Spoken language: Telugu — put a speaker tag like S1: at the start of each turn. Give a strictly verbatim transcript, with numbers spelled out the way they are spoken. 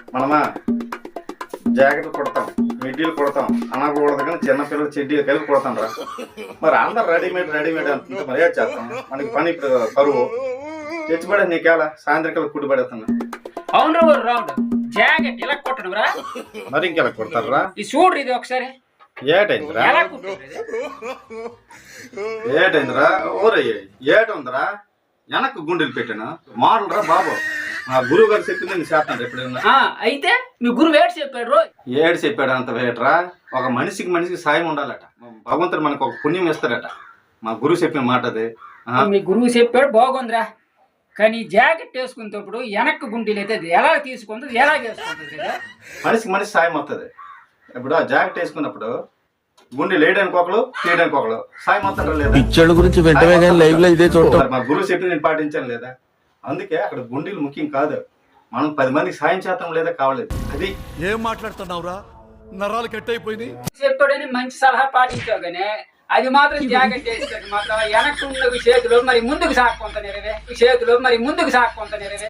S1: మనమా జాకెట్లు కుడతాం, మిడ్డీలు కుడతాం, అనకూడదు కానీ చిన్నపిల్లలు చెడ్డీలు కలిపి కుడతాం రా. మరి అందరు రెడీమేడ్ రెడీమేడ్ అంత మర్యాద చేస్తాం. మనకి పని ఇప్పుడు కరువు తెచ్చిపడే నీకేలా సాయంత్రికలు కుడి పడేస్తున్నా.
S2: అవును రావుడు జాకెట్ ఇలా కుట్టడం రా.
S1: మరి ఇంకెలా కుడతారా?
S2: ఈ చూడు ఇది ఒకసారి
S1: ఏటైందిరా
S2: ఎలా కుట్టారు ఇది?
S1: ఏటైందిరా ఓరయ్య ఏటుందిరా? వెనక్కు గుండెలు పెట్టాను మోడల్ రా బాబు. మా గురువు గారు చెప్పింది నేను చేస్తాను ఎప్పుడైనా.
S2: ఆ, అయితే మీ గురువు ఏడు చెప్పాడు రో.
S1: ఏడు చెప్పాడు అంత వేటరా. ఒక మనిషికి మనిషికి సాయం ఉండాలట. భగవంతుడు మనకు ఒక పుణ్యం ఇస్తాడట. మా గురువు చెప్పిన మాట అది.
S2: మీ గురువు చెప్పాడు బాగుందిరా. కానీ జాకెట్ వేసుకునేటప్పుడు వెనక్కి గుండీలు అయితే అది ఎలా తీసుకుంటుంది ఎలా వేసుకుంటుంది?
S1: మనిషికి మనిషి సాయం వస్తుంది. ఇప్పుడు ఆ జాకెట్ వేసుకున్నప్పుడు గుండె లేయడానికి ఒకళ్ళు తీయడానికి ఒకళ్ళు సాయం వస్తాడు లేదా?
S3: పిచ్చోళ్ళ గురించి వెంటనే కానీ లైవ్ లో ఇదే చూడటం.
S1: మా గురువు చెప్పి నేను పాటించాను లేదా? అందుకే అక్కడ గుండెలు ముఖ్యం కాదు, మనం పది మందికి సాయం చేస్తాం లేదా కావలేదు. అది
S4: ఏం మాట్లాడుతున్నావురా? నరాలు కట్ అయిపోయింది.
S2: చెప్పాడని మంచి సలహా పాటించావు కానీ అది మాత్రం జాకెట్ వేసేది మాత్రం వెనక్కి ఉన్న చేతిలో మరి ముందుకు సాక్కుంటారు చేతిలో మరి ముందుకు సాక్కుంటారు